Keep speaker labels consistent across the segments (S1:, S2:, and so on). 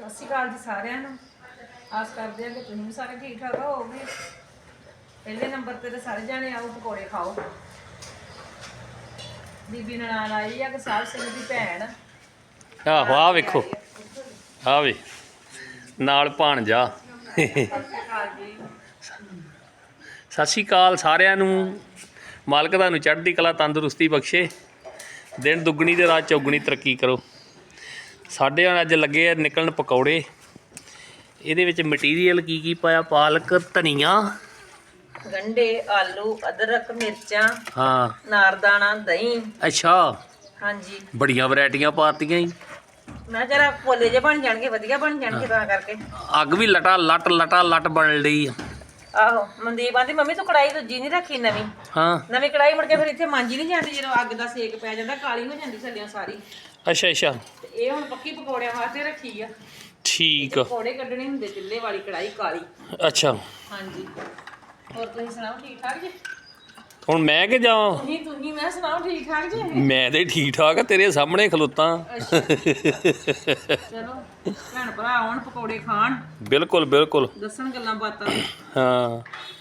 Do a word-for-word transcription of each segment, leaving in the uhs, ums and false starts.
S1: ਸਤਿ ਸ਼੍ਰੀ ਅਕਾਲ ਜੀ ਸਾਰਿਆਂ ਨੂੰ। ਆਸ ਕਰਦੇ ਹਾਂ ਕਿ ਤੁਸੀਂ ਵੀ ਸਾਰੇ ਠੀਕ ਠਾਕ ਹੋਵੋਗੇ। ਪਹਿਲੇ ਨੰਬਰ ਤੇ ਤਾਂ ਸਾਰੇ ਜਾਣੇ ਆਓ ਪਕੌੜੇ ਖਾਓ। ਬੀਬੀ ਨਨਾਣ ਆਈ ਆ ਗੁਰਸਾਹਿਬ ਸਿੰਘ ਦੀ ਭੈਣ।
S2: ਆਹੋ ਆ ਵੇਖੋ ਆ ਵੇ ਨਾਲ ਭਾਣਜਾ। ਸਤਿ ਸ਼੍ਰੀ ਅਕਾਲ ਸਾਰਿਆਂ ਨੂੰ। ਮਾਲਕ ਤੁਹਾਨੂੰ ਚੜ੍ਹਦੀ ਕਲਾ ਤੰਦਰੁਸਤੀ ਬਖਸ਼ੇ। ਦਿਨ ਦੁੱਗਣੀ ਤੇ ਰਾਤ ਚੌਗਣੀ ਤਰੱਕੀ ਕਰੋ। ਸਾਡੇ ਹੁਣ ਅੱਜ ਲੱਗੇ ਆ ਨਿਕਲਣ ਪਕੌੜੇ। ਇਹਦੇ ਵਿੱਚ ਮਟੀਰੀਅਲ ਕੀ ਕੀ ਪਾਇਆ? ਪਾਲਕ, ਧਨੀਆ,
S1: ਗੰਢੇ, ਆਲੂ, ਅਦਰਕ, ਮਿਰਚਾਂ,
S2: ਹਾਂ,
S1: ਨਾਰਦਾਣਾ, ਦਹੀਂ।
S2: ਅੱਛਾ
S1: ਹਾਂਜੀ,
S2: ਬੜੀਆਂ ਵੈਰਾਈਟੀਆਂ ਪਾਤੀਆਂ ਜੀ।
S1: ਮੈਂ ਜਰਾ ਪੋਲੇ ਜੇ ਬਣ ਜਾਣਗੇ, ਵਧੀਆ ਬਣ ਜਾਣਗੇ ਤਾਂ ਕਰਕੇ।
S2: ਅੱਗ ਵੀ ਲਟਾ ਲੱਟ ਲਟਾ ਲੱਟ ਬਣ ਲਈ ਆ।
S1: ਆਹੋ, ਮਨਦੀਪ ਆਂਦੀ ਮੰਮੀ ਤੂੰ ਕੜਾਈ ਦੂਜੀ ਨਹੀਂ ਰੱਖੀ ਨਵੀਂ।
S2: ਹਾਂ,
S1: ਨਵੀਂ ਕੜਾਈ ਮੁੜ ਕੇ ਫਿਰ ਇੱਥੇ ਮਾਂਜੀ ਨਹੀਂ ਜਾਂਦੀ, ਜਦੋਂ ਅੱਗ ਦਾ ਸੇਕ ਪੈ ਜਾਂਦਾ ਕਾਲੀ ਹੋ ਜਾਂਦੀ ਥੱਲਿਓਂ ਸਾਰੀ।
S2: ਅੱਛਾ ਅੱਛਾ,
S1: ਤੇ ਇਹ ਹੁਣ ਪੱਕੀ ਪਕੌੜਿਆਂ ਵਾਸਤੇ ਰੱਖੀ ਆ।
S2: ਠੀਕ ਆ।
S1: ਪਕੌੜੇ ਕੱਢਣੇ ਹੁੰਦੇ ਚੁੱਲ੍ਹੇ ਵਾਲੀ ਕੜਾਈ ਕਾਲੀ।
S2: ਅੱਛਾ,
S1: ਹਾਂਜੀ, ਹੋਰ ਤੁਸੀਂ ਸੁਣਾਓ ਠੀਕ ਠਾਕ ਜੀ?
S2: ਹੁਣ ਮੈਂ ਕਿ ਜਾਵਾਂ?
S1: ਤੁਸੀਂ ਤੁਸੀਂ ਮੈਂ ਸੁਣਾਓ ਠੀਕ ਠਾਕ ਜੀ?
S2: ਮੈਂ ਤੇ ਠੀਕ ਠਾਕ ਆ, ਤੇਰੇ ਸਾਹਮਣੇ ਖਲੋਤਾ।
S1: ਅੱਛਾ, ਚਲੋ ਭੈਣ ਭਰਾ ਆਉਣ ਪਕੌੜੇ ਖਾਣ,
S2: ਬਿਲਕੁਲ ਬਿਲਕੁਲ,
S1: ਦੱਸਣ ਗੱਲਾਂ ਬਾਤਾਂ।
S2: ਹਾਂ,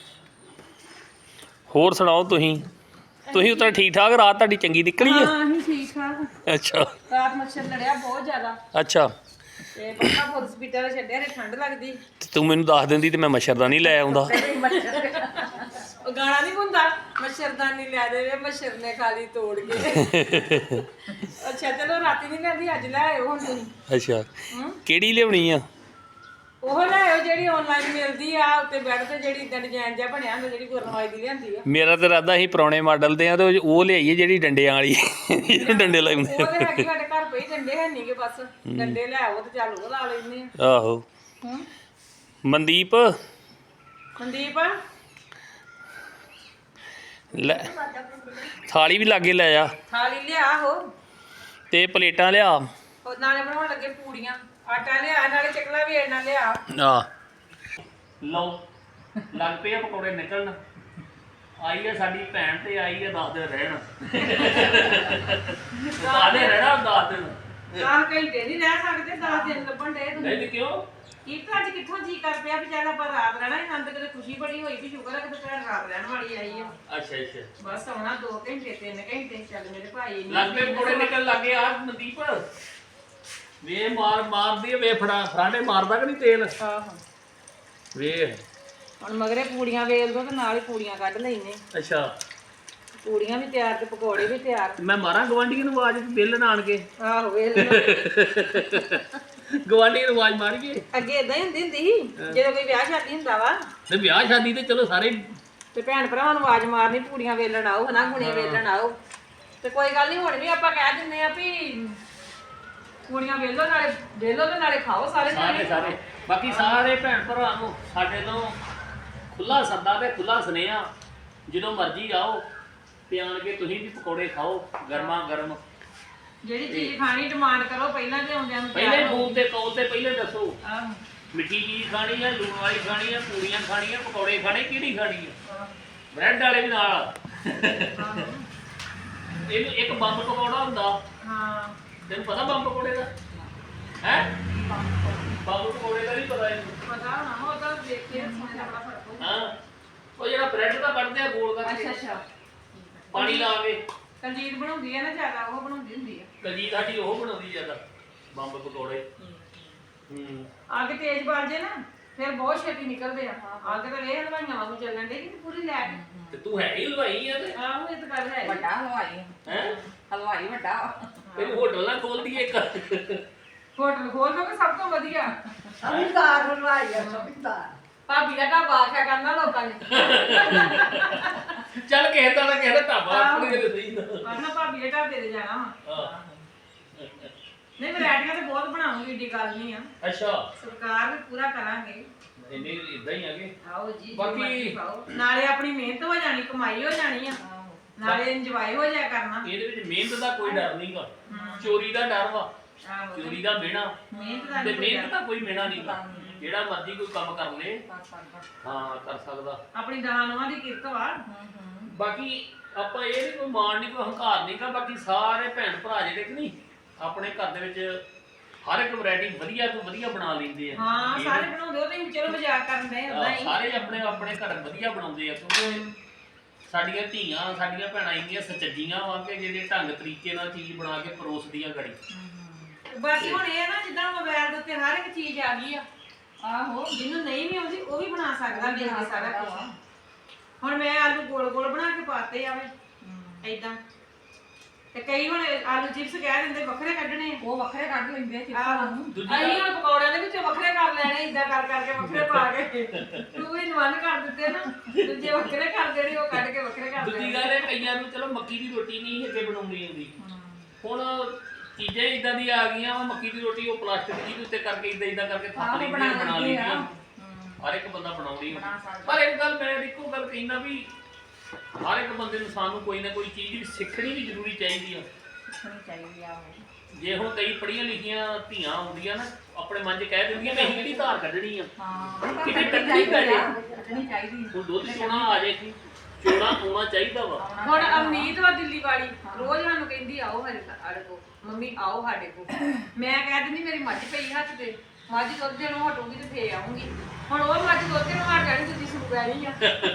S2: ਹੋਰ ਸੁਣਾਓ ਤੁਸੀਂ? ਤੁਸੀਂ ਉੱਤਰ ਠੀਕ ਠਾਕ? ਰਾਤ ਤੁਹਾਡੀ ਚੰਗੀ ਨਿਕਲੀ ਆ?
S1: ਹਾਂ ਅਸੀਂ ਠੀਕ ਠਾਕ।
S2: ਅੱਛਾ
S1: ਰਾਤ ਮੱਛਰ ਲੜਿਆ ਬਹੁਤ ਜ਼ਿਆਦਾ
S2: ਅੱਛਾ,
S1: ਤੇ ਪੱਕਾ ਹਸਪੀਟਲ ਛੱਡਿਆ ਰੇ, ਠੰਡ ਲੱਗਦੀ।
S2: ਤੇ ਤੂੰ ਮੈਨੂੰ ਦੱਸ ਦਿੰਦੀ ਤੇ ਮੈਂ ਮੱਛਰਦਾਨੀ ਲੈ ਆਉਂਦਾ।
S1: ਉਹ ਗਾਣਾ ਨਹੀਂ ਹੁੰਦਾ, ਮੱਛਰਦਾਨੀ ਲੈ ਦੇਵੇ ਮੱਛਰ ਨੇ ਖਾਲੀ ਤੋੜ ਕੇ। ਅੱਛਾ ਚਲੋ ਰਾਤੀ ਨਹੀਂ ਲੈਂਦੀ, ਅੱਜ ਲੈ ਆਇਓ ਹੁਣ ਤੁਸੀਂ।
S2: ਅੱਛਾ,
S1: ਹੂੰ,
S2: ਕਿਹੜੀ ਲਿਆਉਣੀ ਆ?
S1: ਉਹ ਲੈ ਆਇਓ ਜਿਹੜੀ ਆਨਲਾਈਨ ਮਿਲਦੀ ਆ, ਉੱਤੇ ਬੈੱਡ ਤੇ ਜਿਹੜੀ ਇਦਾਂ ਡਿਜ਼ਾਈਨ ਜਿਹਾ ਬਣਿਆ ਹੁੰਦਾ, ਜਿਹੜੀ ਗੁਰਨਵਾਈ ਦੀ ਲਿਆਂਦੀ ਆ।
S2: ਮੇਰਾ ਤਾਂ ਇਰਾਦਾ ਸੀ ਪੁਰਾਣੇ ਮਾਡਲ ਦੇ ਆ ਤੇ ਉਹ ਲਿਆਈਏ ਜਿਹੜੀ ਡੰਡਿਆਂ ਵਾਲੀ, ਡੰਡੇ ਲਾਉਂਦੇ।
S1: ਉਹ ਤੇ ਹੈਗੀ ਸਾਡੇ ਘਰ ਪਈ, ਡੰਡੇ ਹੈ ਨਹੀਂ ਗੇ, ਬਸ ਡੰਡੇ ਲੈ ਆਓ ਤੇ ਚੱਲ ਉਹ ਲਾ ਲੈਂਦੇ ਆ।
S2: ਆਹੋ,
S1: ਹੂੰ,
S2: ਮਨਦੀਪ
S1: ਮਨਦੀਪ
S2: ਲੈ ਥਾਲੀ ਵੀ ਲਾਗੇ ਲੈ ਆ
S1: ਥਾਲੀ ਲਿਆ ਹੋ,
S2: ਤੇ ਪਲੇਟਾਂ ਲਿਆ।
S1: ਉਹ ਨਾਲੇ ਬਣਾਉਣ ਲੱਗੇ ਪੂੜੀਆਂ, ਆਟਾ ਲਿਆ, ਨਾਲੇ ਚਕਲਾ ਵੀ ਇਹਨਾਂ ਲਿਆ।
S2: ਆ ਲਓ ਲੱਗ ਪਏ ਆ ਪਕੌੜੇ ਨਿਕਲਣ। ਆਈ ਆ ਸਾਡੀ ਭੈਣ ਤੇ ਆਈ ਆ ਦਸ ਦਿਨ ਰਹਿਣ। ਦਸ ਦਿਨ ਰਹਿਣਾ, ਦਸ ਦਿਨ
S1: ਦਸ ਘੰਟੇ ਨਹੀਂ ਰਹਿ ਸਕਦੇ, ਦਸ ਦਿਨ ਲੱਭਣ ਡੇ ਤੁਸੀਂ।
S2: ਨਹੀਂ ਤੇ ਕਿਉਂ?
S1: ਕੀ ਅੱਜ ਕਿੱਥੋਂ ਜੀ ਕਰ ਪਿਆ ਵੀ ਚੱਲ ਆਪਾਂ ਰਾਤ ਰਹਿਣਾ ਹੀ, ਨੰਦ ਕਿਤੇ ਖੁਸ਼ੀ ਬੜੀ ਹੋਈ ਵੀ ਸ਼ੁਕਰ ਹੈ ਕਿ ਭੈਣ ਰਾਤ ਰਹਿਣ ਵਾਲੀ ਆਈ ਆ।
S2: ਅੱਛਾ ਅੱਛਾ,
S1: ਬਸ ਆਉਣਾ ਦੋ ਘੰਟੇ ਤਿੰਨ ਘੰਟੇ, ਚੱਲ ਮੇਰੇ ਭਾਈ ਨੀ
S2: ਲੱਗ ਪਏ ਪਕੌੜੇ ਨਿਕਲ ਲੱਗੇ ਆ। ਮਨਦੀਪ ਵੇ ਮਾਰ ਮਾਰਦੀ ਆ, ਵੇ ਫੜਾ ਫਰਾਂਡੇ ਮਾਰਦਾ ਕਿ ਨਹੀਂ ਤੇਲ?
S1: ਆਹੋ,
S2: ਵੇ
S1: ਹੁਣ ਮਗਰੇ ਪੂੜੀਆਂ ਵੇਲ ਦੋ ਤੇ ਨਾਲ ਹੀ ਪੂੜੀਆਂ ਕੱਢ ਲੈਨੇ।
S2: ਅੱਛਾ,
S1: ਪੂੜੀਆਂ ਵੀ ਤਿਆਰ ਤੇ ਪਕੌੜੇ ਵੀ ਤਿਆਰ।
S2: ਮੈਂ ਮਾਰਾਂ ਗਵਾਂਢੀਆਂ ਨੂੰ ਆਵਾਜ਼ ਬਿੱਲ ਨਾ ਆਣ ਕੇ।
S1: ਆਹੋ ਵੇਲ
S2: ਗਵਾਂਢੀਆਂ ਨੂੰ ਆਵਾਜ਼ ਮਾਰੀਏ।
S1: ਅੱਗੇ ਇਦਾਂ ਹੀ ਹੁੰਦੀ ਹੁੰਦੀ ਸੀ, ਜਦੋਂ ਕੋਈ ਵਿਆਹ ਸ਼ਾਦੀ ਹੁੰਦਾ ਵਾ
S2: ਤੇ ਵਿਆਹ ਸ਼ਾਦੀ ਤੇ ਚਲੋ ਸਾਰੇ
S1: ਤੇ ਭੈਣ ਭਰਾਵਾਂ ਨੂੰ ਆਵਾਜ਼ ਮਾਰਨੀ, ਪੂੜੀਆਂ ਵੇਲਣ ਆਓ, ਹਨਾ ਗੁਣੇ ਵੇਲਣ ਆਓ। ਤੇ ਕੋਈ ਗੱਲ ਨਹੀਂ, ਹੁਣ ਵੀ ਆਪਾਂ ਕਹਿ ਦਿੰਦੇ ਆ ਵੀ ਪੂੜੀਆਂ ਵੇਲੋ, ਨਾਲੇ ਵੇਲੋ ਤੇ ਨਾਲੇ ਖਾਓ ਸਾਰੇ
S2: ਸਾਰੇ ਸਾਰੇ। ਬਾਕੀ ਸਾਰੇ ਭੈਣ ਭਰਾ ਨੂੰ ਸਾਡੇ ਤੋਂ ਖੁੱਲਾ ਸੱਦਾ ਤੇ ਖੁੱਲਾ ਸੁਨੇਹਾ, ਜਦੋਂ ਮਰਜ਼ੀ ਆਓ ਤੇ ਆਣ ਕੇ ਤੁਸੀਂ ਵੀ ਪਕੌੜੇ ਖਾਓ ਗਰਮਾ ਗਰਮ।
S1: ਜਿਹੜੀ ਚੀਜ਼ ਖਾਣੀ ਡਿਮਾਂਡ ਕਰੋ ਪਹਿਲਾਂ ਤੇ ਆਉਂਦਿਆਂ ਨੂੰ।
S2: ਪਹਿਲੇ ਫੋਨ ਤੇ ਕਾਲ ਤੇ ਪਹਿਲੇ ਦੱਸੋ
S1: ਆਹੋ,
S2: ਮਿੱਠੀ ਚੀਜ਼ ਖਾਣੀ ਆ, ਲੂਣ ਵਾਲੀ ਖਾਣੀ ਆ, ਪੂੜੀਆਂ ਖਾਣੀਆਂ, ਪਕੌੜੇ ਖਾਣੇ, ਕਿਹੜੀ ਖਾਣੀ ਆ? ਬ੍ਰੈਡ ਵਾਲੇ ਵੀ ਨਾਲ। ਇਹਨੂੰ ਇੱਕ ਬੰਬ ਪਕੌੜਾ ਹੁੰਦਾ।
S1: ਹਾਂ,
S2: ਤੈਨੂੰ ਪਤਾ ਬੰਬ ਪਕੌੜੇ ਦਾ ਹੈ? ਬੰਬ ਪਕੌੜੇ ਦਾ ਨਹੀਂ ਪਤਾ ਇਹਨੂੰ?
S1: ਪਤਾ ਹੋਣਾ, ਉਹ ਤਾਂ ਦੇਖ ਕੇ ਸੁਣਨ ਦਾ ਬੜਾ ਫਰਕ ਹੋਊ।
S2: ਹਾਂ, ਉਹ ਜਿਹੜਾ ਬ੍ਰੈਡ ਦਾ ਕੱਢਦੇ ਆ ਗੋਲ ਕਰਕੇ,
S1: ਅੱਛਾ ਅੱਛਾ,
S2: ਪਾਣੀ ਲਾ ਕੇ।
S1: ਕਲਜੀਤ ਬਣਾਉਂਦੀ ਆ ਨਾ ਜ਼ਿਆਦਾ, ਉਹ ਬਣਾਉਂਦੀ ਹੁੰਦੀ ਆ।
S2: ਕਲਜੀਤ ਸਾਡੀ ਉਹ ਬਣਾਉਂਦੀ ਜ਼ਿਆਦਾ ਬੰਬ ਪਕੌੜੇ। ਹੂੰ,
S1: ਅੱਗ ਤੇਜ਼ ਬਾਲ ਜੇ ਨਾ ਫਿਰ ਬਹੁਤ ਛੇਤੀ ਨਿਕਲਦੇ ਆ। ਅੱਗ ਤਾਂ ਇਹ ਹਲਵਾਈਆਂ ਵਾਂਗੂ ਚੱਲਣ ਦੇ ਕਿ ਪੂਰੀ ਲੈ ਕੇ।
S2: ਤੇ ਤੂੰ ਹੈ ਹੀ ਹਲਵਾਈ ਆ ਤੇ।
S1: ਆਹੋ, ਇਹ ਤਾਂ ਗੱਲ ਹੈ।
S3: ਵੱਡਾ ਹਲਵਾਈ
S2: ਹੈ
S3: ਹਲਵਾਈ ਵੱਡਾ ਵਾ।
S2: ਤੈਨੂੰ ਹੋਟਲ ਨਾ ਖੋਲ ਦਈਏ ਇੱਕ।
S1: ਹੋਟਲ ਖੋਲ ਦੋਗੇ ਸਭ ਤੋਂ ਵਧੀਆ।
S3: ਸਮਝਦਾਰ ਹਲਵਾਈ ਆ, ਸਮਝਦਾਰ।
S1: ਭਾਬੀ ਦਾ ਢਾਬਾ ਆਖਿਆ ਕਰਨਾ ਲੋਕਾਂ ਨੇ।
S2: ਚੱਲ ਕਿਸੇ ਦਾ ਨਾ ਕਿਸੇ ਦਾ ਢਾਬਾ ਆਪਣੇ ਦੇ ਸਹੀ ਨਾ।
S1: ਆਪਣਾ ਭਾਬੀ ਦੇ ਢਾਬੇ ਤੇ ਜਾਣਾ ਵਾ।
S2: ਹਾਂ,
S1: ਨਹੀਂ ਵੈਰਾਈਟੀਆਂ ਤੇ ਬਹੁਤ ਬਣਾਉਂਗੀ, ਏਡੀ ਗੱਲ ਨਹੀਂ ਆ।
S2: ਅੱਛਾ,
S1: ਸਰਕਾਰ ਵੀ ਪੂਰਾ ਕਰਾਂਗੇ।
S2: ਇੰਨੇ ਇਦਾਂ ਹੀ ਆਗੇ।
S1: ਆਓ ਜੀ, ਜੋ
S2: ਬਾਕੀ-
S1: ਮਰਜ਼ੀ ਖਾਓ। ਨਾਲੇ ਆਪਣੀ ਮਿਹਨਤ ਹੋ ਜਾਣੀ, ਕਮਾਈ ਹੋ ਜਾਣੀ ਆ, ਨਾਲੇ ਇੰਜੋਏ ਹੋ ਜਾਇਆ ਕਰਨਾ।
S2: ਇਹਦੇ ਵਿੱਚ ਮਿਹਨਤ ਦਾ ਕੋਈ ਡਰ ਨਹੀਂਗਾ,
S1: ਹਮ।
S2: ਚੋਰੀ ਦਾ ਡਰ ਵਾ,
S1: ਆਹੋ,
S2: ਚੋਰੀ ਦਾ ਮਿਹਣਾ
S1: ਮਿਹਨਤ ਦਾ
S2: ਤੇ
S1: ਨੀ ਕੋਈ
S2: ਮਿਹਨਤ ਦਾ
S1: ਡਰ।
S2: ਕੋਈ ਮਿਹਣਾ ਨਹੀਂਗਾ। ਜਿਹੜਾ ਮਰਜ਼ੀ ਕੋਈ ਕੰਮ ਕਰ ਲੇ, ਹਾਂ ਕਰ ਸਕਦਾ।
S1: ਆਪਣੀ ਦਹਾਨਵਾਂ ਦੀ ਕਿਰਤ ਵਾ।
S2: ਬਾਕੀ ਆਪਾਂ ਇਹ ਨਹੀਂ ਕੋਈ ਮਾਣ ਨਹੀਂ, ਕੋਈ ਹੰਕਾਰ ਨਹੀਂਗਾ। ਬਾਕੀ ਸਾਰੇ ਭੈਣ ਭਰਾ ਜਿਹੜੇ ਕਿ ਨਹੀਂ ਆਪਣੇ ਘਰ ਦੇ ਵਿੱਚ ਹਰ ਇੱਕ ਵੈਰਾਈਟੀ ਵਧੀਆ ਤੋਂ ਵਧੀਆ ਬਣਾ ਲੈਂਦੇ ਆ
S1: ਹਾਂ
S2: ਇਹ
S1: ਸਾਰੇ ਬਣਾਉਂਦੇ ਉਹ ਤੇ ਚਲੋ ਮਜ਼ਾਕ ਕਰਨ ਦੇ ਹੁੰਦਾ
S2: ਆਹ,
S1: ਹੀ
S2: ਸਾਰੇ ਆਪਣੇ ਆਪਣੇ ਘਰ ਵਧੀਆ ਬਣਾਉਂਦੇ ਆ ਕਿਉਂਕਿ ਸਾਡੀਆਂ ਧੀਆਂ ਸਾਡੀਆਂ ਭੈਣਾਂ ਇੰਨੀਆਂ ਸੱਚੀਆਂ ਵਾ ਕਿ ਜਿਹੜੇ ਢੰਗ ਤਰੀਕੇ ਨਾਲ ਚੀਜ਼ ਬਣਾ ਕੇ ਪਰੋਸਦੀਆਂ ਗੜੀ
S1: ਬਾਕੀ ਹੁਣ ਇਹ ਨਾ ਜਿੱਦਾਂ ਮੋਬਾਈਲ ਦੇ ਉੱਤੇ ਹਰ ਇੱਕ ਚੀਜ਼ ਆ ਗਈ ਆ ਆਹੋ ਜਿਹਨੂੰ ਨਹੀਂ ਵੀ ਆਉਂਦੀ ਉਹ ਵੀ ਬਣਾ ਸਕਦਾ ਦੇਖ ਕੇ ਸਾਰਾ ਕੁਝ ਹੁਣ ਮੈਂ ਆਲੂ ਗੋਲ ਗੋਲ ਬਣਾ ਕੇ ਪਾਤੇ ਆਵੇ ਏਦਾਂ ਤੇ ਕਈ ਹੁਣ ਆਲੂ ਚਿਪਸ ਕਹਿ ਦਿੰਦੇ ਵੱਖਰੇ ਕੱਢਣੇ ਆ।
S3: ਉਹ ਵੱਖਰੇ ਕੱਢ ਲੈਂਦੇ ਆ ਚਿਪਸਾਂ
S1: ਆਹੋ।
S3: ਨੂੰ
S2: ਦੂਜੀ
S1: ਅਸੀਂ
S2: ਗੱਲ
S1: ਹੁਣ ਪਕੌੜਿਆਂ ਦੇ ਵਿੱਚ ਵੱਖਰੇ ਕਰ ਲੈਣੇ ਏਦਾਂ ਕਰ ਕਰਕੇ ਵੱਖਰੇ ਪਾ ਕੇ ਤੂੰ ਹੀ ਨਵਨ ਕਰ ਦਿੱਤੇ ਨਾ ਦੂਜੇ ਵੱਖਰੇ ਕਰ ਦੇਣੇ ਉਹ ਕੱਢ ਕੇ ਵੱਖਰੇ ਕਰ
S2: ਦੂਜੀ
S1: ਦੇਣੇ
S2: ਗੱਲ ਇਹ ਕਈਆਂ ਨੂੰ ਚਲੋ ਮੱਕੀ ਦੀ ਰੋਟੀ ਨਹੀਂ ਅੱਗੇ ਬਣਾਉਣੀ ਆਉਂਦੀ ਹੁਣ ਚੀਜ਼ਾਂ ਇਦਾਂ ਦੀਆਂ ਆ ਗਈਆਂ ਵਾ ਮੱਕੀ ਦੀ ਰੋਟੀ ਉਹ ਪਲਾਸਟਿਕ ਦੀ ਉੱਤੇ ਕਰਕੇ ਇਦਾਂ ਇਦਾਂ ਕਰਕੇ ਥੱਪ
S3: ਆਹੋ,
S2: ਲੈਂਦੀਆਂ
S3: ਬਣਾ
S2: ਬਣਾ
S3: ਲੈਂਦੇ ਆ।
S2: ਲੈਂਦੀਆਂ ਹਰ ਇੱਕ ਬੰਦਾ ਬਣਾਉਂਦੀ
S3: ਬਣਾ ਸਕਦਾ।
S2: ਪਰ ਇੱਕ ਗੱਲ ਮੈਂ ਇੱਕੋ ਗੱਲ ਕਹਿਣਾ ਵੀ ਹਰ ਇੱਕ ਬੰਦੇ ਨੂੰ ਸਾਨੂੰ ਕੋਈ ਨਾ ਕੋਈ ਚੀਜ਼ ਸਿੱਖਣੀ ਵੀ ਜ਼ਰੂਰੀ ਚਾਹੀਦੀ ਆ
S3: ਸਿੱਖਣੀ ਚਾਹੀਦੀ ਆ ਉਹ।
S2: ਜੇ ਹੁਣ ਕਈ ਪੜ੍ਹੀਆਂ ਲਿਖੀਆਂ ਧੀਆਂ ਆਉਂਦੀਆਂ ਨਾ ਆਪਣੇ ਮਨ 'ਚ ਕਹਿ ਦਿੰਦੀਆਂ ਮੈਂ ਅਸੀਂ ਕਿਹੜੀ ਧਾਰ ਕੱਢਣੀ ਆ
S3: ਹਾਂ
S2: ਕਿਤੇ
S3: ਕੱਢਣੀ
S2: ਕੱਢਣੀ ਪੈ ਜੇ।
S3: ਆ, ਕੱਢਣੀ ਚਾਹੀਦੀ
S2: ਹੁਣ ਦੁੱਧ ਚੋਣਾ ਆ ਜੇ ਕਿ ਚੋਣਾ ਹੋਣਾ ਚਾਹੀਦਾ ਵਾ
S1: ਹੁਣ ਅਮਨੀਤ ਵਾ ਦਿੱਲੀ ਵਾਲੀ ਰੋਜ਼ ਸਾਨੂੰ ਕਹਿੰਦੀ ਆਓ ਮੇਰੇ ਸਾਡੇ ਕੋਲ ਮੰਮੀ ਆਓ ਸਾਡੇ ਕੋਲ ਮੈਂ ਕਹਿ ਦਿੰਦੀ ਮੇਰੀ ਮੱਝ ਪਈ ਹੱਥ ਤੇ ਮੱਝ ਦੁੱਧ ਦੇਣੋਂ ਹਟੂਗੀ ਤੇ ਫੇਰ ਆਉਂਗੀ ਹੁਣ ਉਹ ਮੱਝ ਦੁੱਧ ਦੇਣੋਂ ਹਟ ਜਾਣੀ ਦੂਜੀ ਸੂ ਪੈਣੀ ਆ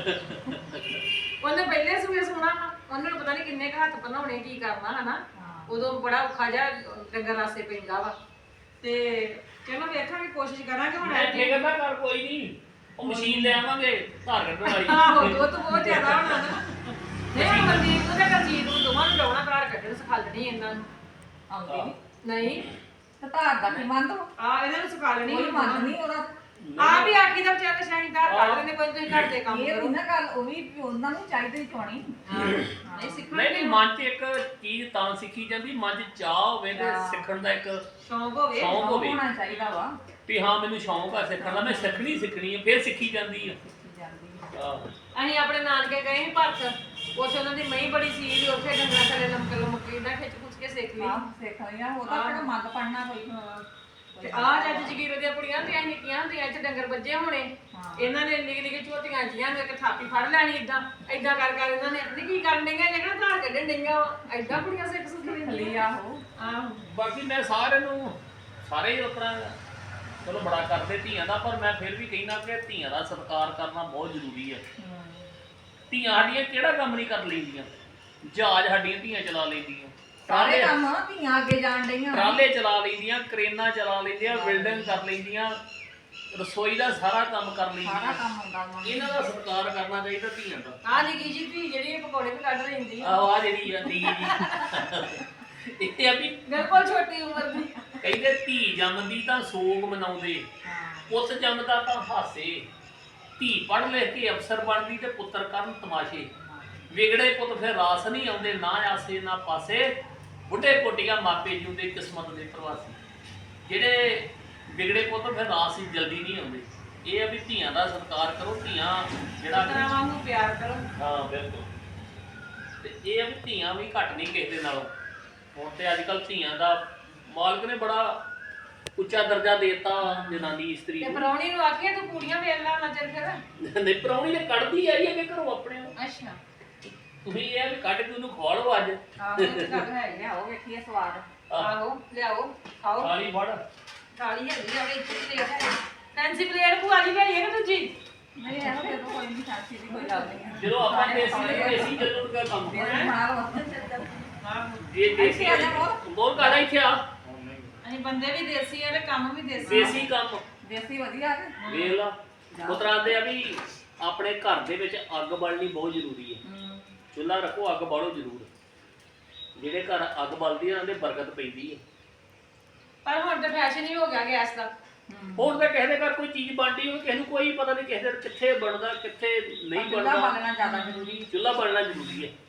S1: ਉਹਨੇ ਪਹਿਲੇ ਸੂਏ ਸੋਣਾ ਉਹਨਾਂ ਨੂੰ ਪਤਾ ਨਹੀਂ ਕਿੰਨੇ ਕੁ ਹੱਥ ਬਣਾਉਣੇ ਕੀ ਕਰਨਾ ਹਨਾ ਉਦੋਂ ਬੜਾ ਔਖਾ ਜਿਹਾ ਡੰਗਰ ਰਾਸੇ ਪੈਂਦਾ ਵਾ ਤੇ ਚਲੋ ਵੇਖਾਂਗੇ ਕੋਸ਼ਿਸ਼ ਕਰਾਂਗੇ ਹੁਣ
S2: ਮੈਂ ਫਿਕਰ ਨਾ ਕਰ ਕੋਈ ਨਹੀਂ ਉਹ ਮਸ਼ੀਨ ਲੈ ਆਵਾਂਗੇ ਧਾਰ ਕੱਢਣ ਵਾਲੀ
S1: ਆਹੋ ਦੁੱਧ ਬਹੁਤ ਜ਼ਿਆਦਾ ਹੋਣਾ ਨਾ ਨਹੀਂ ਮਨਦੀਪ ਨੂੰ ਤੇ ਕਰਜੀਤ ਨੂੰ ਦੋਵਾਂ ਨੂੰ ਲਾਉਣਾ ਧਾਰ ਕੱਢਣ ਸਿਖਾ ਲੈਣੀ ਇਹਨਾਂ ਨੂੰ
S3: ਆਉਂਦੀ ਨੀ।
S1: ਨਹੀਂ
S3: ਤੇ ਧਾਰ ਦਾ ਕੀ ਮੰਨ ਦੋ
S1: ਆ ਇਹਨਾਂ ਨੂੰ ਸਿਖਾ ਲੈਣੀ
S3: ਕੋਈ ਮੰਨ ਨਹੀਂ ਉਹਦਾ
S1: ਆ ਵੀ ਆਖੀ ਦਾ ਚੱਲ ਸ਼ਾਹੀ ਧਾਰ ਕੱਢ ਲੈਂਦੇ ਕੋਈ ਤੁਸੀਂ ਘਰ ਦੇ ਕੰਮ
S3: ਇਹ
S1: ਕਰੋ
S3: ਵੀ ਨਾ ਗੱਲ ਉਹ ਵੀ ਵੀ ਉਹਨਾਂ ਨੂੰ ਚਾਹੀਦੀ ਚੋਣੀ
S1: ਨਹੀਂ ਸਿੱਖਣਾ
S2: ਨਹੀਂ ਨਹੀਂ ਮਨ 'ਚ ਇੱਕ ਚੀਜ਼ ਤਾਂ ਸਿੱਖੀ ਜਾਂਦੀ ਮਨ 'ਚ ਚਾਹ ਹੋਵੇ ਤੇ ਸਿੱਖਣ ਦਾ ਇੱਕ
S1: ਸ਼ੌਂਕ ਹੋਵੇ
S2: ਸ਼ੌਂਕ ਹੋਵੇ
S3: ਹੋਣਾ ਚਾਹੀਦਾ ਵਾ
S2: ਵੀ ਹਾਂ ਮੈਨੂੰ ਸ਼ੌਂਕ ਆ ਸਿੱਖਣ ਦਾ ਮੈਂ ਸਿੱਖਣੀ ਸਿੱਖਣੀ ਹੈ ਫਿਰ ਸਿੱਖੀ ਜਾਂਦੀ ਆ
S3: ਜਾਂਦੀ
S2: ਆਹ,
S1: ਅਸੀਂ ਆਪਣੇ ਨਾਨਕੇ ਗਏ ਸੀ ਭਰਤ ਉੱਥੇ ਉਹਨਾਂ ਦੀ ਮਹੀਂ ਬੜੀ ਸੀ ਵੀ ਉੱਥੇ ਡੰਗਰਾਂ ਥੱਲੇ ਲਮਕ ਲਮਕ ਇਦਾਂ ਖਿੱਚ ਖੁੱਚ ਕੇ ਸਿੱਖ ਲਈ
S3: ਆ ਸਿੱਖ ਲਿਆ ਉਹ ਤਾਂ ਕਿਹੜਾ ਮੰਗ ਪੜਨਾ ਕੋਈ
S1: ਤੇ ਆਹ ਜੱਜ ਜਗੀਰ ਦੀਆਂ ਕੁੜੀਆਂ ਤੇ ਅਸੀਂ ਨਿੱਕੀਆਂ ਹੁੰਦੀਆਂ ਇੱਥੇ ਡੰਗਰ ਵੱਜੇ ਹੋਣੇ ਇਹਨਾਂ ਨੇ ਨਿੱਕੀ ਨਿੱਕੀ ਝੋਟੀਆਂ ਜੀਆਂ ਨੂੰ ਇੱਕ ਥਾਪੀ ਫੜ ਲੈਣੀ ਇਦਾਂ ਇਦਾਂ ਕਰ ਕਰ ਇਹਨਾਂ ਨੇ ਨਹੀਂ ਕੀ ਕਰਨ ਡਈਆਂ ਜਿਹੜਾ ਧਾਰ ਕੱਢਣ ਡਈਆਂ ਇਦਾਂ ਕੁੜੀਆਂ ਸਿੱਖ ਸੁੱਖ
S3: ਲਈ
S1: ਲੈਂਦੀਆਂ
S3: ਆਹੋ
S1: ਆਹੋ
S2: ਬਾਕੀ ਮੈਂ ਸਾਰਿਆਂ ਨੂੰ ਸਾਰੇ ਹੀ ਆਪਣਾ ਚਲੋ ਬੜਾ ਕਰਦੇ ਧੀਆਂ ਦਾ ਪਰ ਮੈਂ ਫਿਰ ਵੀ ਕਹਿਣਾ ਕਿ ਧੀਆਂ ਦਾ ਸਤਿਕਾਰ ਕਰਨਾ ਬਹੁਤ ਜ਼ਰੂਰੀ ਹੈ ਧੀਆਂ ਸਾਡੀਆਂ ਕਿਹੜਾ ਕੰਮ ਨਹੀਂ ਕਰ ਲੈਂਦੀਆਂ ਜਹਾਜ਼ ਸਾਡੀਆਂ ਧੀਆਂ ਚਲਾ ਲੈਂਦੀਆਂ
S3: ਸਾਰੇ
S2: ਟਰਾਲੇ
S3: ਕੰਮ ਧੀਆਂ ਅੱਗੇ ਜਾਣ ਡਈਆਂ
S2: ਟਰਾਲੇ ਚਲਾ ਲੈਂਦੀਆਂ ਕਰੇਨਾਂ ਚਲਾ ਲੈਂਦੀਆਂ ਬਿਲਡਿੰਗ ਕਰ ਲੈਂਦੀਆਂ ਰਸੋਈ ਦਾ ਸਾਰਾ ਕੰਮ ਕਰ
S3: ਸਾਰਾ
S2: ਲੈਂਦੀਆਂ
S3: ਕੰਮ ਹੁੰਦਾ ਉਹਨਾਂ ਨੂੰ
S2: ਇਹਨਾਂ ਦਾ ਸਤਿਕਾਰ ਕਰਨਾ ਚਾਹੀਦਾ ਧੀਆਂ ਦਾ
S1: ਆਹ ਨਿੱਕੀ ਜੀ ਧੀ ਜਿਹੜੀ ਇਹ ਪਕੌੜੇ ਵੀ ਕੱਢ ਲੈਂਦੀ ਆ
S2: ਆਹ ਆਹ ਜਿਹੜੀ ਆ ਧੀ ਜੀ ਇਹ ਆ ਵੀ
S1: ਬਿਲਕੁਲ ਛੋਟੀ ਉਮਰ ਦੀ
S2: ਕਹਿੰਦੇ ਧੀ ਜੰਮਦੀ ਤਾਂ ਸੋਗ ਮਨਾਉਂਦੇ ਪੁੱਤ ਜੰਮਦਾ ਤਾਂ ਹਾਸੇ ਧੀ ਪੜ੍ਹ ਲਿਖ ਕੇ ਅਫਸਰ ਬਣਦੀ ਤੇ ਪੁੱਤਰ ਕਰਨ ਤਮਾਸ਼ੇ ਵਿਗੜੇ ਪੁੱਤ ਫਿਰ ਰਾਸ ਨਹੀਂ ਆਉਂਦੇ ਨਾ ਆਸੇ ਨਾ ਪਾਸੇ ਬੁੱਢੇ ਕੋਟੀਆਂ ਮਾਪੇ ਜੁੰਦੇ ਕਿਸਮਤ ਦੇ ਪ੍ਰਵਾਸੀ ਜਿਹੜੇ ਵਿਗੜੇ ਪੁੱਤ ਫਿਰ ਰਾਸ ਹੀ ਜਲਦੀ ਨਹੀਂ ਆਉਂਦੇ ਇਹ ਆ ਵੀ ਧੀਆਂ ਦਾ ਸਤਿਕਾਰ ਕਰੋ ਧੀਆਂ ਜਿਹੜਾ
S1: ਤਰਾਵਾਂ ਨੂੰ ਪਿਆਰ ਕਰੋ
S2: ਹਾਂ ਬਿਲਕੁਲ ਤੇ ਇਹ ਆ ਵੀ ਧੀਆਂ ਵੀ ਘੱਟ ਨਹੀਂ ਕਿਸੇ ਦੇ ਨਾਲੋਂ ਹੁਣ ਤੇ ਅੱਜ ਕੱਲ੍ਹ ਧੀਆਂ ਦਾ ਮਾਲਕ ਨੇ ਬੜਾ ਉੱਚਾ ਦਰਜਾ ਦੇਤਾ ਜਨਾਨੀ ਇਸਤਰੀ
S1: ਤੇ
S2: ਨੂੰ
S1: ਪਰੌਣੀ ਨੂੰ ਆਖਿਆ ਤੂੰ ਕੁੜੀਆਂ ਵੇਲ ਲਾ ਨਾ ਚੱਲ ਫਿਰ
S2: ਨਹੀਂ ਪ੍ਰਾਹੁਣੀ ਨੇ ਕੱਢਦੀ ਆਈ ਹੈ ਕਿ ਘਰੋਂ ਆਪਣੇ ਨੂੰ
S1: ਅੱਛਾ
S2: ਤੁਸੀਂ ਇਹ ਆ ਵੀ ਕੱਢ ਕੇ ਉਹਨੂੰ ਖਵਾ ਲਓ ਅੱਜ
S1: ਆਹੋ ਇਹ ਤਾਂ ਗੱਲ ਹੈ ਹੀ ਆ।
S3: ਲਿਆਓ ਵੇਖੀਏ ਸਵਾਦ
S1: ਆਹੋ ਲਿਆਓ ਖਾਓ
S2: ਥਾਲੀ ਫੜ
S1: ਥਾਲੀ ਹੈਗੀ ਆ ਵਿੱਚ ਪਲੇਟ ਹੈ ਫੈਂਸੀ ਪਲੇਟ ਭੂਆ ਜੀ ਲਈ ਹੈ ਕਿ ਦੂਜੀ
S3: ਨਹੀਂ ਇਹੋ ਦੇ ਕੋਈ ਨਹੀਂ ਸਾਥੀ ਦੀ ਕੋਈ ਗੱਲ ਨਹੀਂ ਹੈ
S2: ਜਦੋਂ ਆਪਾਂ ਦੇਸੀ ਤੇ ਦੇਸੀ ਜਦੋਂ ਦਾ ਕੰਮ
S3: ਮੇਰੇ
S2: ਹੈ
S3: ਨਾਲ
S1: ਆਹੋ
S2: ਇਹ ਦੇਸੀ
S3: ਇੱਥੇ ਆ ਜਾ ਬੋਲ।
S2: ਬਹੁਤ ਕਾਦਾ ਇੱਥੇ ਆ
S1: ਅਸੀਂ ਬੰਦੇ ਵੀ ਦੇਸੀ ਆ ਤੇ ਕੰਮ ਵੀ ਦੇਸੀ ਆ।
S2: ਦੇਸੀ ਕੰਮ
S3: ਦੇਸੀ ਵਧੀਆ ਤੇ
S2: ਵੇਖ ਲਾ ਉਤਰਾਂ ਦੇ ਆ ਵੀ ਆਪਣੇ ਘਰ ਦੇ ਵਿੱਚ ਅੱਗ ਬਾਲਣੀ ਬਹੁਤ ਜ਼ਰੂਰੀ ਹੈ ਚੁੱਲ੍ਹਾ ਰੱਖੋ ਅੱਗ ਬਾਲੋ ਜ਼ਰੂਰ ਜਿਹੜੇ ਘਰ ਅੱਗ ਬਲਦੀ ਆ ਉਹਨਾਂ ਦੇ ਬਰਕਤ ਪੈਂਦੀ ਹੈ
S1: ਪਰ ਹੁਣ ਤਾਂ ਫੈਸ਼ਨ ਹੀ ਹੋ ਗਿਆ ਗੈਸ ਦਾ
S2: ਹੁਣ ਤਾਂ ਕਿਸੇ ਦੇ ਘਰ ਕੋਈ ਚੀਜ਼ ਬਣਦੀ ਹੋਵੇ ਕਿਸੇ ਨੂੰ ਕੋਈ ਪਤਾ ਨਹੀਂ ਕਿਸੇ ਦੇ ਕਿੱਥੇ ਬਣਦਾ ਕਿੱਥੇ ਨਹੀਂ
S3: ਚੁੱਲ੍ਹਾ
S2: ਬਣਦਾ
S3: ਬਾਲਣਾ ਜ਼ਿਆਦਾ ਜ਼ਰੂਰੀ
S2: ਚੁੱਲ੍ਹਾ ਬਾਲਣਾ ਜ਼ਰੂਰੀ ਹੈ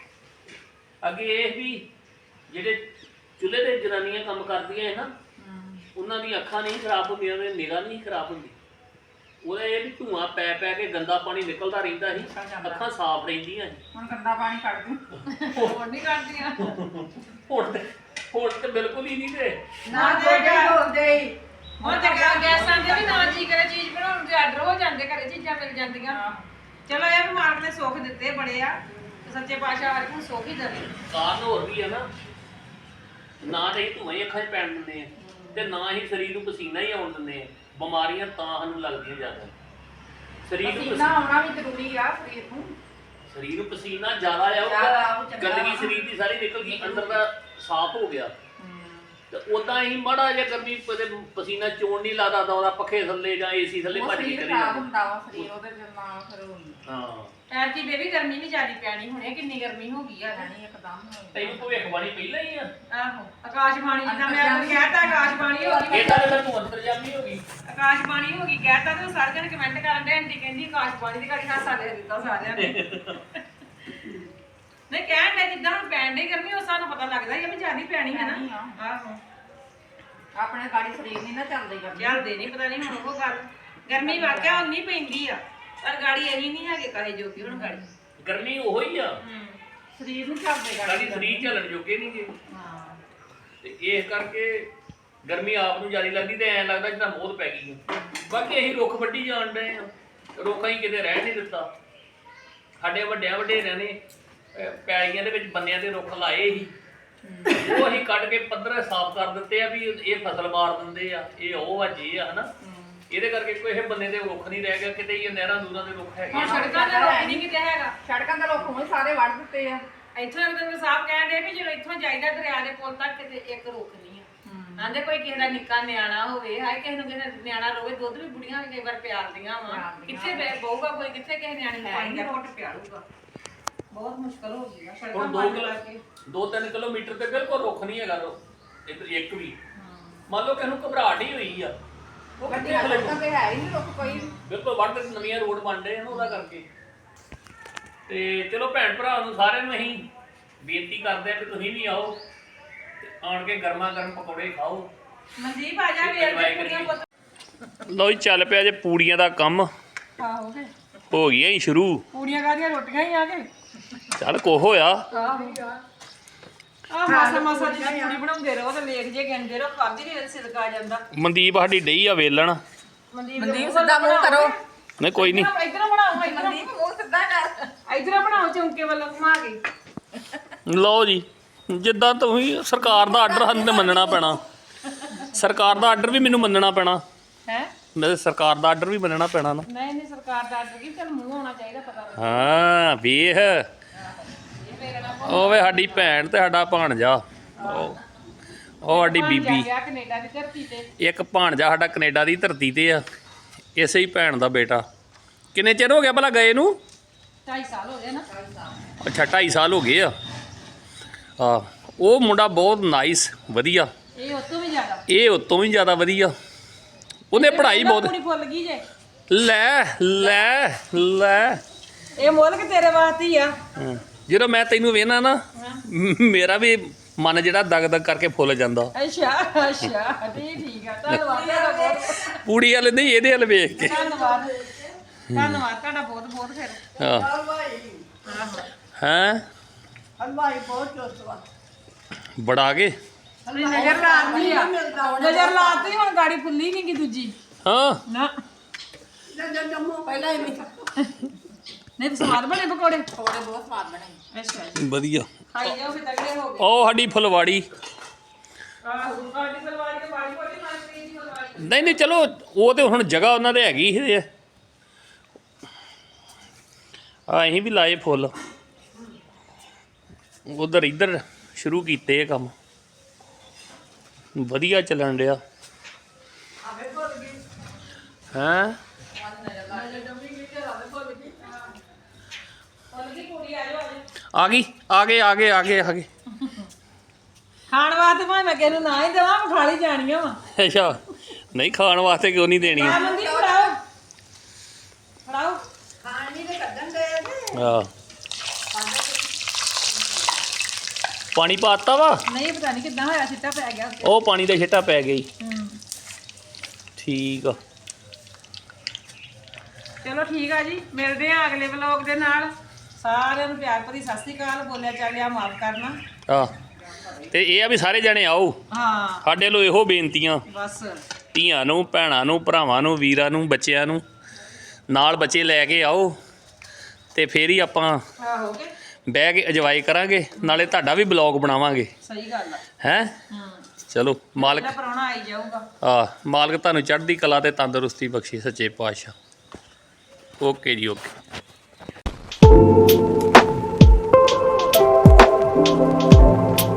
S2: ਅੱਗੇ ਇਹ ਵੀ ਜਿਹੜੇ ਚੁੱਲ੍ਹੇ ਤੇ ਜਨਾਨੀਆਂ ਕੰਮ ਕਰਦੀਆਂ ਹੈ ਨਾ ਉਹਨਾਂ ਦੀ ਅੱਖਾਂ ਨਹੀਂ ਖਰਾਬ ਹੁੰਦੀਆਂ ਉਹਨਾਂ ਦੀ ਨਿਗਾਹ ਨਹੀਂ ਖਰਾਬ ਹੁੰਦੀ ਉਹਦਾ ਇਹ ਵੀ ਧੂਆਂ ਪੈ ਪੈ ਕੇ ਗੰਦਾ ਪਾਣੀ ਨਿਕਲਦਾ ਰਹਿੰਦਾ ਸੀ ਅੱਖਾਂ ਸਾਫ਼ ਰਹਿੰਦੀਆਂ ਸੀ
S3: ਹੁਣ ਗੰਦਾ ਪਾਣੀ ਕੱਢ ਦੂੰ
S1: ਹੋਰ ਨਹੀਂ ਕਰਦੀਆਂ
S2: ਹੁਣ ਤੇ ਹੁਣ ਤੇ ਬਿਲਕੁਲ ਹੀ ਨਹੀਂ ਤੇ
S3: ਨਾ ਦੇ ਬੋਲਦੇ ਹੀ
S1: ਹੁਣ ਤੇ ਗਾ- ਗੈਸਾਂ ਦੇ ਵੀ ਨਾ ਜੀ ਕਰੇ ਚੀਜ਼ ਬਣਾਉਣ ਦੇ ਆਰਡਰ ਹੋ ਜਾਂਦੇ ਘਰੇ ਚੀਜ਼ਾਂ ਮਿਲ ਜਾਂਦੀਆਂ ਚਲੋ ਇਹ ਬਿਮਾਰ ਨੇ ਸੁੱਖ ਦਿੱਤੇ ਬੜੇ ਆ ਤੇ ਸੱਚੇ ਪਾਤਸ਼ਾਹ ਹਰ ਇੱਕ ਨੂੰ ਸੁੱਖ ਹੀ ਦੇਵੇ
S2: ਕਾਰਨ ਹੋਰ ਵੀ ਹੈ ਨਾ ਨਾ ਤੇ ਧੂਏ ਅੱਖਾਂ 'ਚ ਪੈਣ ਦਿੰਦੇ ਆ ਤੇ ਨਾ ਹੀ ਸਰੀਰ ਨੂੰ ਪਸੀਨਾ ਹੀ ਆਉਣ ਦਿੰਦੇ ਆ। ਬਿਮਾਰੀਆਂ ਤਾਂ ਸਾਨੂੰ ਲੱਗਦੀਆਂ ਜ਼ਿਆਦਾ। ਸਰੀਰ ਨੂੰ
S3: ਪਸੀਨਾ ਆਉਣਾ ਵੀ ਜ਼ਰੂਰੀ ਆ ਸਰੀਰ ਨੂੰ।
S2: ਸਰੀਰ ਨੂੰ ਪਸੀਨਾ ਜ਼ਿਆਦਾ
S3: ਜ਼ਿਆਦਾ
S2: ਆਊਗਾ,
S3: ਆਊ, ਚੰਗਾ
S2: ਗੰਦਗੀ
S3: ਵਾ।
S2: ਸਰੀਰ ਦੀ ਸਾਰੀ ਨਿਕਲ ਗਈ, ਅੰਦਰ ਦਾ ਸਾਫ਼ ਹੋ ਗਿਆ। ਤੇ ਉਦਾਂ ਹੀ ਮਾੜਾ ਜਿਹਾ ਗਰਮੀ ਕਦੇ ਪਸੀਨਾ ਚੋਣ ਨਹੀਂ ਲੱਗਦਾ ਤਾਂ ਉਹਦਾ ਪੱਖੇ ਥੱਲੇ ਜਾਂ ਏਸੀ ਥੱਲੇ
S3: ਉਹ
S2: ਭੱਜ ਕੇ
S3: ਸਰੀਰ
S2: ਚਲੇ
S3: ਖਰਾਬ
S2: ਜਾਂਦੇ।
S3: ਹੁੰਦਾ ਵਾ ਸਰੀਰ ਉਹਦੇ ਨਾਲ ਫਿਰ
S2: ਹਾਂ
S1: ਐਤਕੀ ਬੇਬੀ ਗਰਮੀ ਵੀ ਜ਼ਿਆਦੀ ਪੈਣੀ ਹੁਣੇ, ਕਿੰਨੀ ਗਰਮੀ ਹੋ ਗਈ ਆ।
S3: ਨਹੀਂ ਇੱਕਦਮ
S2: ਤੈਨੂੰ ਭਵਿੱਖਬਾਣੀ ਪਹਿਲਾਂ ਹੀ ਆ।
S1: ਆਹੋ ਆਕਾਸ਼ਬਾਣੀ ਜਿੱਦਾਂ ਮੈਂ ਤੁਹਾਨੂੰ ਕਹਿਤਾ ਆਕਾਸ਼ਬਾਣੀ ਹੋ ਗਈ।
S2: ਇਹਦਾ ਤਾਂ ਤੂੰ ਅੰਤਰਜਾਮੀ ਹੋ ਗਈ।
S1: ਆਕਾਸ਼ਬਾਣੀ ਹੋ ਗਈ ਕਹਿਤਾ ਤੇ ਸਾਰੇ ਜਣੇ ਕਮੈਂਟ ਕਰਨ ਦੇ ਆਂਟੀ ਕਹਿੰਦੀ ਆਕਾਸ਼ਬਾਣੀ ਦੀ ਘੜੀ ਹਾਸਾ ਦੇ ਦਿੱਤਾ ਸਾਰਿਆਂ ਨੇ। ਨਹੀਂ ਕਹਿਣ ਦੇ ਜਿੱਦਾਂ ਹੁਣ ਪੈਣ ਦੀ ਗਰਮੀ ਉਹ ਸਾਨੂੰ ਪਤਾ ਲੱਗਦਾ ਹੀ ਆ ਵੀ ਜ਼ਿਆਦੀ ਪੈਣੀ ਹੈ ਨਾ। ਆਹੋ
S3: ਆਪਣੇ ਗਾੜੀ ਸਰੀਰ ਨਹੀਂ ਨਾ ਚੱਲਦੇ ਕਰਦੇ।
S1: ਚੱਲਦੇ ਨਹੀਂ ਪਤਾ ਨਹੀਂ ਹੁਣ ਉਹ ਗੱਲ ਗਰਮੀ ਵਾਕਿਆ ਉਨੀ ਪੈਂਦੀ ਆ ਪਰ ਗਾੜੀ ਇਹੀ ਨਹੀਂ ਹੈਗੇ ਕਹੇ ਜੋ ਕਿ ਹੁਣ ਗਾੜੀ
S2: ਗਰਮੀ ਉਹੋ ਹੀ ਆ,
S3: ਸਰੀਰ ਨੂੰ ਚੱਲਦੇ
S2: ਸਾਡੀ ਸਰੀਰ ਝੱਲਣ ਜੋਗੇ ਨਹੀਂ ਗੇ।
S3: ਹਾਂ
S2: ਤੇ ਇਸ ਕਰਕੇ ਗਰਮੀ ਆਪ ਨੂੰ ਜ਼ਿਆਦਾ ਲੱਗਦੀ ਤੇ ਐਂ ਲੱਗਦਾ ਜਿੱਦਾਂ ਮੋਹ ਪੈ ਗਈ ਆ। ਬਾਕੀ ਅਸੀਂ ਰੁੱਖ ਵੱਢੀ ਜਾਣ ਡਏ ਆ, ਰੁੱਖਾਂ ਹੀ ਕਿਤੇ ਰਹਿ ਨਹੀਂ ਦਿੱਤਾ। ਸਾਡੇ ਵੱਡਿਆਂ ਵਡੇਰਿਆਂ ਨੇ ਅਹ, ਪੈਲੀਆਂ ਦੇ ਵਿੱਚ ਬੰਨਿਆਂ ਦੇ ਰੁੱਖ ਲਾਏ ਸੀ, ਉਹ ਅਸੀਂ ਕੱਢ ਕੇ ਪੱਧਰ ਸਾਫ਼ ਕਰ ਦਿੱਤੇ ਆ ਵੀ ਇਹ ਫਸਲ ਮਾਰ ਦਿੰਦੇ ਆ, ਇਹ ਉਹ ਆ ਜੇ ਆ ਹਨਾ। ਇਹਦੇ ਕਰਕੇ ਕੋਈ ਇਹ ਬੰਨੇ ਦੇ ਰੁੱਖ ਨਹੀਂ ਰਹਿ ਗਿਆ, ਕਿਤੇ ਹੀ ਨਹਿਰਾਂ ਨੂਰਾਂ ਦੇ ਰੁੱਖ ਹੈਗੇ
S1: ਹੁਣ
S2: ਆ।
S1: ਸੜਕਾਂ ਤੇ ਰੁੱਖ ਨਹੀਂ ਕਿਤੇ ਹੈਗਾ।
S3: ਸੜਕਾਂ ਦੇ ਲੋਕ ਹੁਣ ਸਾਰੇ ਵੱਢ ਦਿੱਤੇ ਆ।
S1: ਇੱਥੋਂ ਇੱਕ ਦਿਨ ਸਾਹਿਬ ਕਹਿਣ ਦੇ ਵੀ ਜਦੋਂ ਇੱਥੋਂ ਜਾਈਦਾ ਦਰਿਆ ਦੇ ਪੁੱਲ ਤੱਕ ਕਿਤੇ ਇੱਕ ਰੁੱਖ ਨਹੀਂ ਆ। ਆਂਦੇ ਕੋਈ ਕਿਸੇ ਦਾ ਨਿੱਕਾ ਨਿਆਣਾ ਹੋਵੇ, ਹਾਏ ਕਿਸੇ ਨੂੰ ਕਿਸੇ ਨਿਆਣਾ ਰੋਵੇ, ਦੁੱਧ ਵੀ ਬੁੜੀਆਂ ਕਈ ਵਾਰ ਪਿਆਲਦੀਆਂ ਵਾ, ਕਿੱਥੇ ਬੈ- ਬਹੂਗਾ ਕੋਈ, ਕਿੱਥੇ ਕਿਸੇ ਨਿਆਣੇ ਨੂੰ ਪਾਣੀ ਦਾ ਘੁੱਟ ਪਿਆਲੂਗਾ। ਬਹੁਤ ਮੁਸ਼ਕਲ ਹੋ ਗਈ ਆ ਸੜਕਾਂ
S2: ਹੁਣ ਦੋ
S1: ਬੰਦ
S2: ਕਿਲੋ
S1: ਕਰਕੇ।
S2: ਦੋ ਤਿੰਨ ਕਿਲੋਮੀਟਰ ਤੇ ਬਿਲਕੁਲ ਰੁੱਖ ਨਹੀਂ ਹੈਗਾ ਰੁੱਖ ਇੱਧਰ ਇੱਕ ਵੀ। ਮੰਨ ਲਓ ਕਿਸੇ ਨੂੰ ਘਬਰਾਹਟ ਹੀ ਹੋਈ ਆ, ਉਹ ਕਿੱਥੇ
S3: ਗੱਡੀਆਂ
S2: ਖਲੋ
S3: ਸੜਕਾਂ ਤੇ ਹੈ ਹੀ ਨਹੀਂ ਲੋਕ ਕੋਈ।
S2: ਬਿਲਕੁਲ ਵੱਧ ਨਵੀਆਂ ਰੋਡ ਬਣ ਰਹੇ ਹਨ ਉਹਦਾ ਕਰਕੇ। ਤੇ ਚਲੋ ਭੈਣ ਭਰਾ ਨੂੰ ਸਾਰਿਆਂ ਨੂੰ ਅਸੀਂ ਬੇਨਤੀ ਕਰਦੇ ਆ ਕਿ ਤੁਸੀਂ ਵੀ ਆਓ ਤੇ ਆਣ ਕੇ ਗਰਮਾ ਗਰਮ ਪਕੌੜੇ ਖਾਓ।
S1: ਮਨਦੀਪ ਆ ਜਾ ਵੇਰ ਦੇ ਕੁੜੀਆਂ ਪੁੱਤ।
S2: ਲਓ ਜੀ ਚੱਲ ਪਿਆ ਜੇ ਪੂੜੀਆਂ ਦਾ ਕੰਮ,
S1: ਆਹੋ ਕੇ
S2: ਹੋ ਗਈਆਂ ਹੀ ਸ਼ੁਰੂ।
S1: ਪੂੜੀਆਂ ਕਾਹਦੀਆਂ ਰੋਟੀਆਂ ਹੀ ਆ ਕੇ।
S2: ਚੱਲ ਕੋ ਹੋਇਆ
S1: ਆਹ ਮਾਸਾ ਮਾਸਾ ਦੀ ਪੂੜੀ ਬਣਾਉਂਦੇ ਰਹੋ ਤੇ ਲੇਖ ਜੇ ਗਿਣਦੇ ਰਹੋ, ਖਾਦੀ ਦੇ ਸਿਦਕ ਆ ਜਾਂਦਾ।
S2: ਮਨਦੀਪ ਸਾਡੀ ਡਈ ਆ ਵੇਲਣ।
S1: ਮਨਦੀਪ
S3: ਮਨਦੀਪ ਸਿੱਧਾ ਮੂੰਹ ਕਰੋ।
S2: ਨਹੀਂ ਕੋਈ ਨਹੀਂ,
S1: ਇਧਰੋਂ ਬਣਾਓ, ਇਧਰੋਂ
S3: ਮਨਦੀਪ ਮੂੰਹ ਸਿੱਧਾ ਕਰ।
S1: ਇਧਰੋਂ ਬਣਾਓ ਚੌਂਕੇ ਵੱਲੋਂ ਘੁਮਾ ਕੇ।
S2: ਲਓ ਜੀ ਜਿੱਦਾਂ ਤੁਸੀਂ ਸਰਕਾਰ ਦਾ ਆਰਡਰ ਸਾਨੂੰ ਤੇ ਮੰਨਣਾ ਪੈਣਾ। ਸਰਕਾਰ ਦਾ ਆਰਡਰ ਵੀ ਮੈਨੂੰ ਮੰਨਣਾ ਪੈਣਾ।
S1: ਹੈ
S2: ਮੇਰੇ ਸਰਕਾਰ ਦਾ ਆਰਡਰ ਵੀ ਮੰਨਣਾ ਪੈਣਾ ਨਾ।
S1: ਨਹੀਂ ਨਹੀਂ ਸਰਕਾਰ ਦਾ ਆਰਡਰ ਕੀ, ਚੱਲ ਮੂੰਹ ਹੋਣਾ ਚਾਹੀਦਾ ਪਤਾ।
S2: ਹਾਂ ਵੇਖ ਉਹ ਵੇ ਸਾਡੀ ਭੈਣ ਤੇ ਸਾਡਾ ਭਾਣਜਾ, ਉਹ ਉਹ ਸਾਡੀ ਬੀਬੀ।
S1: ਗਿਆ ਕੈਨੇਡਾ ਦੀ ਧਰਤੀ ਤੇ।
S2: ਇੱਕ ਭਾਣਜਾ ਸਾਡਾ ਕੈਨੇਡਾ ਦੀ ਧਰਤੀ ਤੇ ਆ, ਇਸੇ ਹੀ ਭੈਣ ਦਾ ਬੇਟਾ। ਕਿੰਨੇ ਚਿਰ ਹੋ ਗਿਆ ਭਲਾ ਗਏ ਨੂੰ?
S1: ਢਾਈ ਸਾਲ ਹੋ ਗਏ ਨਾ।
S2: ਅੱਛਾ ਢਾਈ ਸਾਲ ਹੋ ਗਏ ਆ। ਆ ਉਹ ਮੁੰਡਾ ਬਹੁਤ ਨਾਈਸ ਵਧੀਆ,
S1: ਇਹ ਉਸ ਤੋਂ ਵੀ ਜ਼ਿਆਦਾ।
S2: ਇਹ ਉਤੋਂ ਵੀ ਜ਼ਿਆਦਾ ਵਧੀਆ। ਉਹਨੇ ਪੜ੍ਹਾਈ ਬਹੁਤ।
S1: ਪੂਰੀ ਫੁੱਲ ਗਈ ਜੇ।
S2: ਲੈ ਲੈ ਲੈ
S1: ਇਹ ਮੁੱਲ ਕਿ ਤੇਰੇ ਵਾਸਤੇ ਹੀ ਆ।
S2: ਹਾਂ। ਜਦੋਂ ਮੈਂ ਤੈਨੂੰ ਵੇਖਣਾ ਨਾ ਮੇਰਾ ਵੀ ਮਨ ਜਿਹੜਾ ਦਗ ਦਗ ਕਰਕੇ ਫੁੱਲ ਜਾਂਦਾ।
S1: ਅੱਛਾ ਅੱਛਾ ਠੀਕ ਠੀਕ ਆ, ਧੰਨਵਾਦ ਤੁਹਾਡਾ ਬਹੁਤ।
S2: ਪੂੜੀ ਵਾਲੇ ਨਹੀਂ ਇਹਦੇ ਵੱਲ ਵੇਖ ਕੇ।
S1: ਧੰਨਵਾਦ ਧੰਨਵਾਦ ਤੁਹਾਡਾ ਬਹੁਤ ਬਹੁਤ ਫਿਰ।
S2: ਹਾਂ ਹੈਂ
S3: ਹਲਵਾਈ ਬਹੁਤ ਚੋਸਵਾ।
S2: ਬੜਾ ਕੇ
S1: ਨਜ਼ਰ ਲਾਤੀ ਆ, ਨਜ਼ਰ ਲਾਤੀ ਹੁਣ ਗਾੜੀ ਫੁੱਲੀ ਨਹੀਂ ਗਈ ਦੂਜੀ।
S2: ਹਾਂ
S1: ਨਾ
S3: ਪਹਿਲਾਂ ਹੀ ਮਿੱਠਾ
S1: ਨਹੀਂ ਤਾਂ ਸਵਾਦ ਬਣੇ ਪਕੌੜੇ।
S3: ਥੋੜੇ ਬਹੁਤ ਸਵਾਦ ਬਣੇ।
S1: ਅੱਛਾ ਜੀ
S2: ਵਧੀਆ।
S1: ਖਾਈ ਜਾਓ ਫਿਰ ਤਗੜੇ ਹੋ ਗਏ।
S2: ਉਹ ਸਾਡੀ ਫੁਲਵਾੜੀ।
S1: ਆਹੋ ਸਾਡੀ ਫਲਵਾੜੀ ਤੇ ਬਾੜੀ ਕੋਟੀ ਮਾਰੀ ਦੀ ਫਲਵਾੜੀ।
S2: ਨਹੀਂ ਨਹੀਂ ਚਲੋ ਉਹ ਤੇ ਹੁਣ ਜਗ੍ਹਾ ਉਹਨਾਂ ਦੇ ਹੈਗੀ ਸੀ। ਆ ਅਸੀਂ ਵੀ ਲਾਏ ਫੁੱਲ ਉਧਰ ਇੱਧਰ ਸ਼ੁਰੂ ਕੀਤੇ ਇਹ ਕੰਮ, ਵਧੀਆ ਚੱਲਣ ਡਿਆ। ਹੈਂ ਆ ਗਈ ਆ ਗਏ ਆ ਗਏ ਆ ਗਏ ਆ ਗਏ।
S1: ਖਾਣ ਵਾਸਤੇ ਭਾਵੇਂ ਮੈਂ ਕਿਹਨੂੰ ਨਾ ਹੀ ਦੇਵਾਂ, ਮੈਂ ਖਾ ਲਈ ਜਾਣੀਆਂ ਵਾ।
S2: ਅੱਛਾ ਨਹੀਂ ਖਾਣ ਵਾਸਤੇ ਕਿਉਂ ਨਹੀਂ ਦੇਣੀ?
S1: ਆ ਮੰਦੀ ਫੜਾਓ ਫੜਾਓ।
S3: ਖਾਣ ਨਹੀਂ ਤੇ ਕੱਢਣ ਦੇ।
S2: ਹਾਂ ਪਾਣੀ ਪਾਤਾ ਵਾ।
S1: ਨਹੀਂ ਪਤਾ ਨਹੀਂ ਕਿੱਦਾਂ ਹੋਇਆ, ਸਿੱਟਾ ਪੈ ਗਿਆ ਉੱਤੇ।
S2: ਉਹ ਪਾਣੀ ਦਾ ਛਿੱਟਾ ਪੈ ਗਈ।
S1: ਹੂੰ
S2: ਠੀਕ ਆ
S1: ਚਲੋ ਠੀਕ ਆ ਜੀ, ਮਿਲਦੇ ਆ ਅਗਲੇ ਵਲੌਗ ਦੇ ਨਾਲ। ਸਾਰਿਆਂ ਨੂੰ ਪਿਆਰ ਭਰੀ ਸਤਿ ਸ੍ਰੀ ਅਕਾਲ। ਬੋਲਿਆ ਚਾਲਿਆ ਮਾਫ ਕਰਨਾ।
S2: ਆ ਤੇ ਇਹ ਆ ਵੀ ਸਾਰੇ ਜਣੇ ਆਓ।
S1: ਹਾਂ
S2: ਸਾਡੇ ਲੋ ਇਹੋ ਬੇਨਤੀਆਂ,
S1: ਬਸ
S2: ਧੀਆਂ ਨੂੰ, ਭੈਣਾਂ ਨੂੰ, ਭਰਾਵਾਂ ਨੂੰ, ਵੀਰਾਂ ਨੂੰ, ਬੱਚਿਆਂ ਨੂੰ ਨਾਲ ਬੱਚੇ ਲੈ ਕੇ ਆਓ ਤੇ ਫੇਰ ਹੀ ਆਪਾਂ
S1: ਆਹੋ ਕੇ
S2: ਬਹਿ ਕੇ ਇੰਜੋਏ ਕਰਾਂਗੇ, ਨਾਲੇ ਤੁਹਾਡਾ ਵੀ ਬਲੌਗ ਬਣਾਵਾਂਗੇ।
S1: ਸਹੀ ਗੱਲ ਆ।
S2: ਹੈ
S1: ਹੂੰ
S2: ਚਲੋ ਮਾਲਕ
S1: ਜਿਹੜਾ ਪ੍ਰਾਹੁਣਾ ਆਈ ਜਾਊਗਾ।
S2: ਆ ਮਾਲਕ ਤੁਹਾਨੂੰ ਚੜ੍ਹਦੀ ਕਲਾ ਤੇ ਤੰਦਰੁਸਤੀ ਬਖਸ਼ੇ ਸੱਚੇ ਪਾਤਸ਼ਾਹ। ਓਕੇ ਜੀ ਓਕੇ।